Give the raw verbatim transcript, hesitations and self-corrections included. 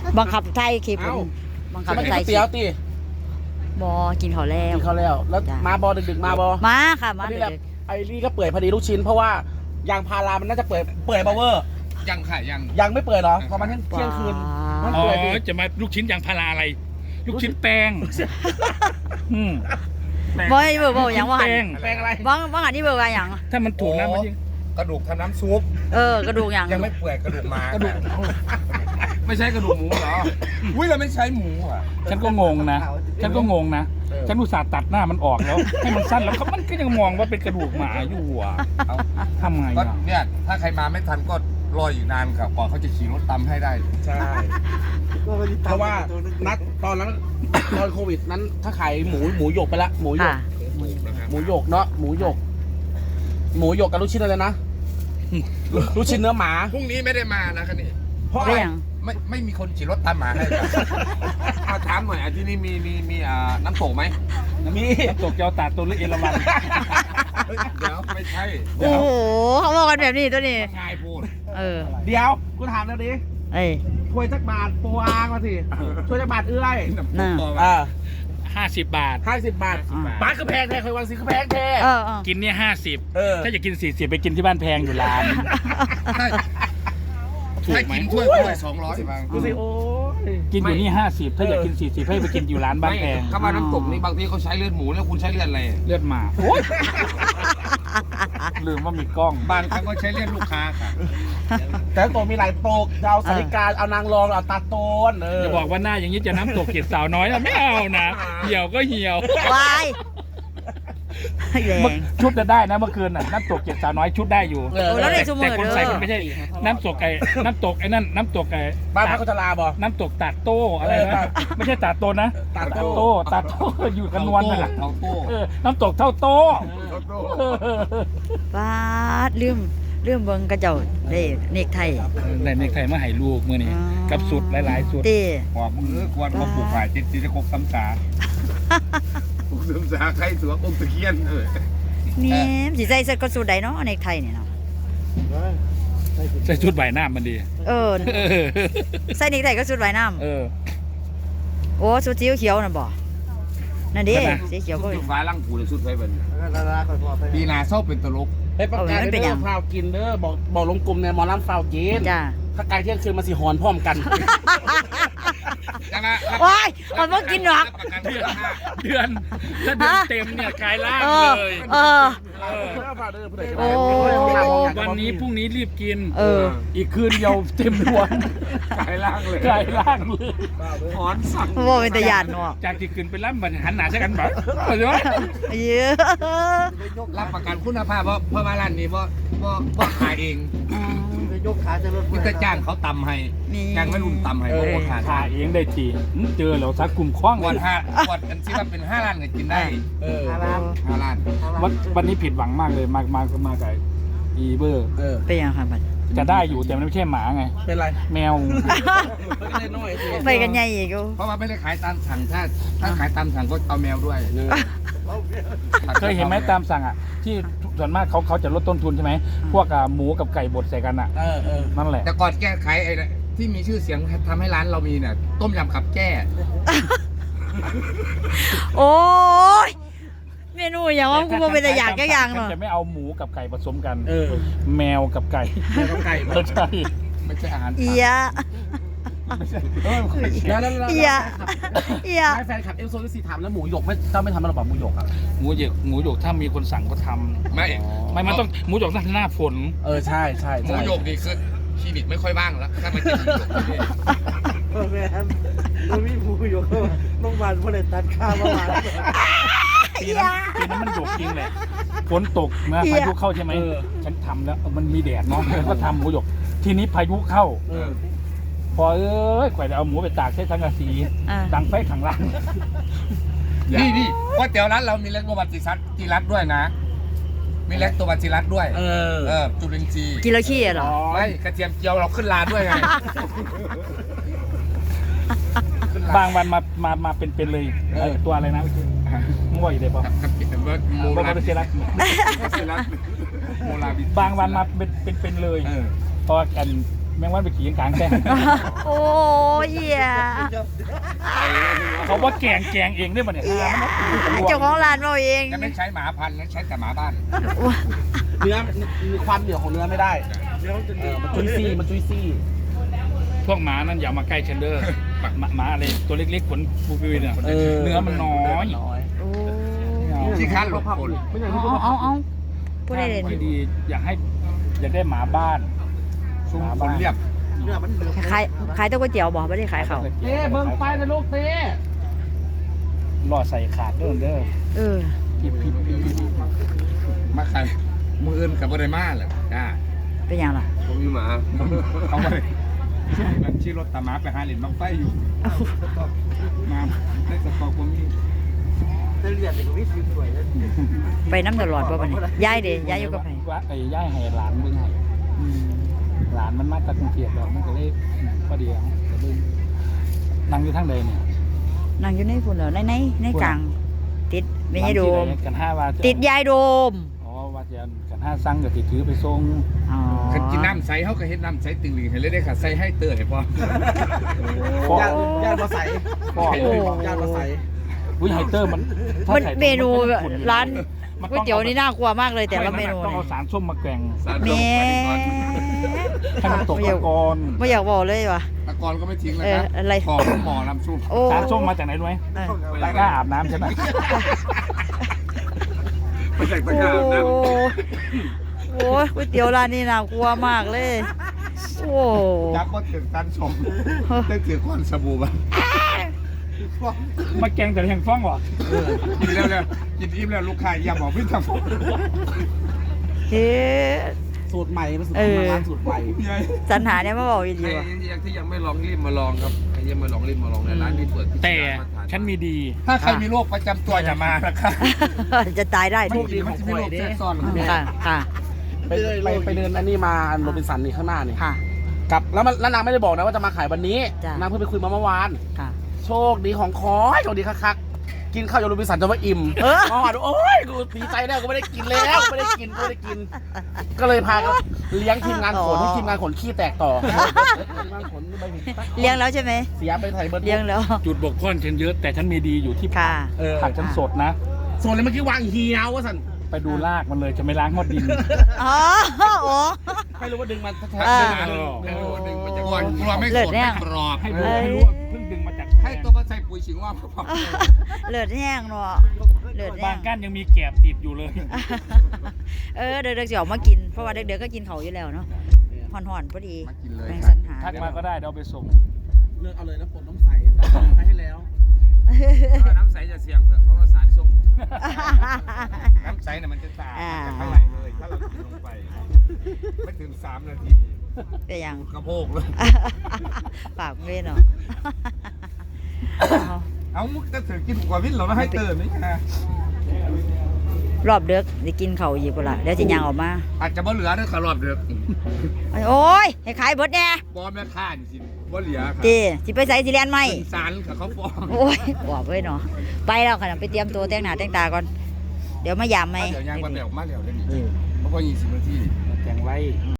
บังคับไทยคลิปเอ้าบังคับมากินไทก๋วย ยเตี๋ยวตีบอกินข้าวแล้วกินข้าวแล้ว แล้วจ้ะมาบอดึกๆมาบอมาค่ะมาอันเด็นี้แหละกไอ้นี่ก็เปื่อยพอดีลูกชิ้น เพราะว่ายางพารามันน่าจะเปื่อยเปื่อยบาเวอร์ยังค่ะยังยังไม่เปื่อยเหรอประมาณเที่ยงๆเที่ยงคืน มันอ๋อเปื่อยดิจะมาลูกชิ้นยางพาราอะไร ลูกชิ้นแป้งอืมแป้งบอยเบอร์บอกอย่างว่าหันแป้งแปลงอะไรบ้างบ้างหันนี่เบอร์ว่าอย่างถ้ามันถูกนะมันยังกระดูกทำน้ำซุปเออกระดูกอย่างยังไม่เปื่อยกระดูกหมากระดูกไม่ใช่กระดูกหมูเหรออุ้ยเราไม่ใช้หมูอ่ะฉันก็งงนะ ฉันก็งงนะเออฉันอุตส่าห์ตัดหน้ามันออกแล้ว ให้มันสั้นแล้วเขามันก็ยังมองว่าเป็นกระดูกหมาอยู่อ่ะเอาทำไงก็อ่ะเนี่ยถ้าใครมาไม่ทันก็รออยู่นานครับกว่าเขาจะขี่รถตำให้ได้ใช่ เพราะว่านัดตอนนั้น ตอนโควิดนั้นถ้าขายหมูหมูหยกไปละหมูหยค่ะกหมูหยกเนาะหมูหยก หมูหยกกับลูกชิ้นอะไรนะลูกชิ้นเนื้อหมาพรุ่งนี้ไม่ได้มานะคันนี้เพราะอะเรื่ไรองไม่ไม่มีคนขี่รถตามหมาให้ครับเอาถามหน่อยอ่ะที่นี่มีมีมีอ่าน้ำตกไหมมีน้ำตกเจ้าตาตัวหรือเอราวัณเดี๋ยวไม่ใช่โอ้โหเขาบอกกันแบบนี้ตัวนี้ง่ายพูดเออเดี๋ยวกูถามแล้วดิเอ้ยถ้วยจักบาทโปรอางมาสิถ้วยจักบาทเอื้อยน่ะอ่าห้าสิบบาทห้าสิบบาทบาทคือแพงแท้เคยวันสิคือแพงแท้เออเออกินเนี่ยห้าสิบเออถ้าอยากกินสี่สิบไปกินที่บ้านแพงอยู่ร้านถ้าถูกถ้าไหมกินถ้วยถ้วยสองร้อยบางดูสิโอ้ยกินอยู่นี่ห้าสิบถ้าอยากกินสี่สิบให้ไปกินอยู่ร้านบ้านแพงคำว่าน้ำตกนี่บางทีเขาใช้เลือดหมูแล้วคุณใช้เลือดอะไรเลือดหมาลืมว่ามีกล้องบางครั้งก็ใช้เลือดลูกค้าค่ะแต่ตัวมีหลายโตกจะเอาสาริกาเอานางรองเอาตาโตนเออจะบอกว่าหน้าอย่างนี้จะน้ำตกเกล็ดสาวน้อยนะไม่เอานะเหี่ยวก็เหี่ยววายแรงชุดจะได้นะเมื่อคืนน่ะน้ำตกเกล็ดสาวน้อยชุดได้อยู่เออโอ้แล้วแต่ในสมุแต่ดคนเด้ใส่อมันไม่ใช่น้ำตกไอ้น้ำตกไอ้นั่นน้ำตกไอ้บ้านพักคนชราบ่น้ำตกตาดโต้อะไรเออนะตาดไม่ใช่ตาดโตนะตาโตโต้ตาดโต้อยู่กันนวลนั่นแหละเทาโต้เออน้ำตกเท่าโต้เทาโต้เออบาดลืมลืมเบิ่งกระเจ้าเด้เนกไทยในในไทยมาให้ลูกมื่อนี้อ๋อกับสุดหลายๆสุดเต้หัวมือควรมาปลูกฝ่ายจิตจิตจะครบซ้ำสาปลูกซ้ำสาใครสวมองค์ตะเคียนเออนี่สิใส่เสื้อก็สูทใดเนาะเนกไทยนี่เนาะใส่ชุดใบหน้ามันดีเออเออใส่เนกไทยก็สูทว่ายน้ำเออโอ้สูทสีเขียวน่ะบ่นั่นดินั่นน่ะสีเขียวก็สุดฟ้าล่างผูเลยสุดไฟเป็นปีนาเศร้าเป็นตลกเฮ้ยประกาศเอาไว้มันเป็นเด้ยัอง ฟาวกินเด้อบอกบอกลงกลุ่มเนี่ยหมอลำฟาวกินจ้าถ้าไกลเที่ยงคืนมาสิหอนพร้อมกันยังไงว้ายมันบ่กินหรอกประกันเดือนห้าเดือนถ้าเดือนเต็มเนี่ยกลายร่างเออเลยเออ โอ้วันนี้พรุ่งนี้รีบกินเอออีกคืนเดียวเต็มดวงกายล่างเลยกลายร่างเลยถอนสั่งบ่เป็นตาย่านเนาะจากที่ขึ้นไปล่ำบันหันหน้าใช่กันแบบเห็นไหมเยอะรับประกันคุณภาพเพราะเพราะว่าร้านนี้เพราะเพราะเพราะขายเองยกขาจะลดมิตรจ้างเขาตำให้นี่จ้างไม่รุ่นตำให้เพราะว่าขาดถ่ายเองได้ทีอืมเจอแล้วทักกลุ่มคว้างวันห้าวันอันที่ว่าเป็นห้าล้านก็กินได้เออห้าล้านวันวันนี้ผิดหวังมากเลยมามามากับอีเบอร์เออเป็นยังครับบัดจะได้อยู่แต่มันไม่ใช่หมาไงเป็นไรแมวไม่ได้น้อยสิไปกันใหญ่อีกอยู่เพราะว่าไม่ได้ขายตามสั่งถ้าถ้าขายตามสั่งก็เอาแมวด้วยเคยเห็นไหมตามสั่งอ่ะ ที่ส่วนมากเขาเขาจะลดต้นทุนใช่ไหมพวกอ่ะหมูกับไก่บดใส่กันอ่ะเออเออนั่นแหละแต่ก่อนแก้ไขไอ้ที่มีชื่อเสียงทำให้ร้านเรามีเนี่ยต้มยำขับแก้โอ้ยเมนูอย่างว่ากูบ่เป็นตาอยากจักอย่างเนาะจะไม่เอาหมูกับไก่ผสมกันเออแมวกับไก่แม่ต้องไก่ไม่ใช่ไม่ใช่อาหารเอียแล้วแล้วแล้วเอียเอียให้แฟนคลับเอลโซลิซีถามแล้วหมูหยกไม่เจ้าไม่ทำมันหรอเปล่าหมูหยกอ่ะหมูหยกหมูหยกถ้ามีคนสั่งก็ทำไม่ไม่มันต้องหมูหยกต้องหน้าฝนเออใช่ใช่หมูใช่หยกนี่คือคลินิกไม่ค่อยว่างแล้วถ้าไปกินหมูหยกที่นี่แม่มันมีผู้อยู่ก็ต้องบานผู้ใดตัดข้าวมาหวานปีนั้นปีนั้นมันหยกจริงแหละฝนตกนะพายุเข้าใช่ไหมฉันทำแล้วมันมีแดดเนาะฉันก็ทำหมูหยก ทีนี้พายุเข้าเออพอเอ้ยข่อยจะเอาหมูไปตากใช้สังกะสีอ่าดังไฟขังล่างนี่นี่ก๋วยเตี๋ยวร้านเรามีเล็กโรบัติซัสจีรัตด้วยนะ มีเล็กตัวบัติรัตด้วยเออเออจุลินทรีย์กินแล้วขี้เหรอไม่กระเทียมเจียวเราขึ้นลาด้วยไงบางวันมามามาเป็นเป็นเลยเออตัวอะไรนะมึงว่าอยู่ได้ปะกับกับกับโมบอกลาว่าเป็นเซรัสโมลาบิบางวันมาเป็นเป็นเป็นเลยเออเพราะว่ากันแมงวันไปขี่กลางแจ้งโอ้ยเหี้ยเขาว่าแกงแกงเองได้ป่ะเนี่ยเจ้าของร้านเราเองจะไม่ใช้หมาพันธุ์นะใช้แต่หมาบ้านเนื้อมีความเหนียวของเนื้อไม่ได้เออมันจุยซี่มันจุยซี่พวกหมานั้นอย่ามาใกล้เชนเดอร์หมาหมาอะไรตัวเล็กๆขนฟูฟิวเนี่ยเนื้อมันน้อยโอ้ที่ค้านหลบคนเอาเอาเอาพูดได้เลยที่ดีอยากให้อยากได้หมาบ้านซุ่มคนเรียบขายขายตัวก๋วยเตี๋ยวบอกไม่ได้ขายเขาเต้เบิ้งไฟนะลูกเต้รอใส่ขาดเด้อเด้อเออพิบพิบพิบพิบมาใครมืออื่นกับบริมาแหละจ้าเป็นอย่างไรผมมีหมาเขาไปมันชี้รถตาหมาไปหาเหรียญบังไฟอยู่มาได้สตอกผมมีจะเรียนเด็กวิทย์สวยเลยไปน้ำตลอดป่ะวันนี้ย้ายเด้ย้ายอยู่กับใครว่าไอ้ย่ายให้หลานเบิ่งให้หลานมันมาจากกรุงเทพแล้วมันก็เลยพอดีเอาก็เลยนั่งอยู่ทางใดเนี่ยนั่งอยู่ในฝุ่นเหรอในในในกลางติดไม่ใช่โดมกันห้าว่าติดยายโดมอ๋อว่าจะกันห้าสั่งก็สิถือไปส่งอ๋อขันกินน้ำใสเขาก็เฮ็ดน้ำใสตึงหลีให้เลยได้ค่ะใส่ให้เตอร์ให้พอญาติญาติมาใส่พ่อญาติมาใส่วิไฮเตอร์มันถ้ามันใส่เมนูมัจะขุ่อยู่ร้านมัก๋วยเตี๋ยวนี่น่ากลัวมากเลยแต่ละเมนูต้องเอาสารส้มมาแกงสารแม่ให้มันตกตะกอนไม่อยากบอกเลยว่ะตะกอนก็ไม่ทิ้งแล้วเออนะอะไรขอหมอลำซุปโอ้สารส้มมาจากไหนรู้ไหมเออตะกร้าอาบน้ำใช่ไหมไม่ใช่ตะโอ้กร้านะโหก๋วยเตี๋ยวร้านนี้น่ากลัวมากเลย โอ้จับว่าถึงตันสมได้ถือก้อนสบู่บ้างมาแกงแต่แห่งฟ้องวะกินแล้วเนี่ยกินอิ่มแล้วลูกค้าอย่าบอกพี่ทำผมเฮ้สูตรใหม่เป็นสูตรเออร้านสูตรใหม่สัญหาเนี่ยมาบอกอีกใครทีว่ะยังที่ยังไม่ลองรีบมาลองครับใครยังไม่ลองรีบมาลองในร้านนี้เปิดที่แต่ร้ามาทาฉันมีดีถ้าใครมีโรคประจำตัวอย่ามานะครับจะตายได้โชคดีมันจะมีโรคแทรกซ้อนค่ะค่ะไปไปไปเดินอันนี้มาโรบินสันนี่ข้างหน้านี่ค่ะกลับแล้วมันแล้วนางไม่ได้บอกนะว่าจะมาขายวันนี้จ้ะนางเพิ่งไปคุยมาเมื่อวานค่ะโชคดีของคอโชคดีคักๆกินข้าวโยโรบินสันจนว่าอิ่มเออเมื่อวานโอ้ยกูดีใจแล้วกูไม่ได้กินแล้วไม่ได้กินกูไม่ได้กิน ก็เลยพากันเลี้ยงทีมงานขนให้ทีมงานขนขี้แตกต่อทีมงานขนไม่ถึงเลี้ยงแล้วใช่ไหมเสียไปไทยเบิร์ดเลี้ยงแล้วจุดบกพร่องฉันเยอะแต่ฉันมีดีอยู่ที่ค่ะเออผักฉันสดนะส่วนเลยเมื่อกี้วางเฮียวว่าสันไปดูรากมันเลยจะไม่ล้างหมดดินอ๋อโอ้ไม่รู้ว่าดึงมันแท้เออๆดึงเอดึงอดึงมันจะกวนกลัวไม่เลิสศดเนี่ไม่ยกรอบให้เอ้รู้ยให้รู้ว่าเพิ่งดึงมาจากให้ตัวมาใส่ปุ๋ยฉิงว่าพอเลือดแห้งเนาะเลือดแห้บางงก้านยังมีแกบติดอยู่เลยเออเด็กๆจะออกมากินเพราะว่าเด็กๆก็กินเขาอยู่แล้วเนาะห่อนๆพอดีมากินเลยแมงสันหาทักมาก็ได้เดี๋ยวเอาไปส่งเลือกเอาเลยนะผลน้ำใสไปให้แล้วน้ำใสจะเสี่ยงเถอะเพราะว่าสารส้มน้ำใสเนี่ยมันจะตายจะเท่าไหร่เลยถ้าเรากินลงไปไม่ถึงสามนาทีเป็นยังกระโปงเลยปากเว้นเนาะเอามุกจะถือกินกว่าวินเหรอไม่ให้เติมนี่นะรอบเด็กจะกินเขาอีกกูละเดี๋ยวจะยังออกมาอาจจะบ่เหลือเด้อขารอบเดือกโอ้ยให้ขายเบิดแน่บอแม่ข้านสิบ่เหลือค่ะจีสิไปใส่สิเรียนไหมสารกับเขาฟ้องโอ้ยบอกเว้ยเนาะไปแล้วขนาดไปเตรียมตัวแต่งหน้าแต่งตาก่อน เดี๋ยวมายามไหมเดี๋ยวยางมาเดี๋ยวมาเดี๋ยวได้ดีเพราะว่ายี่สิบนาทีแกงไว้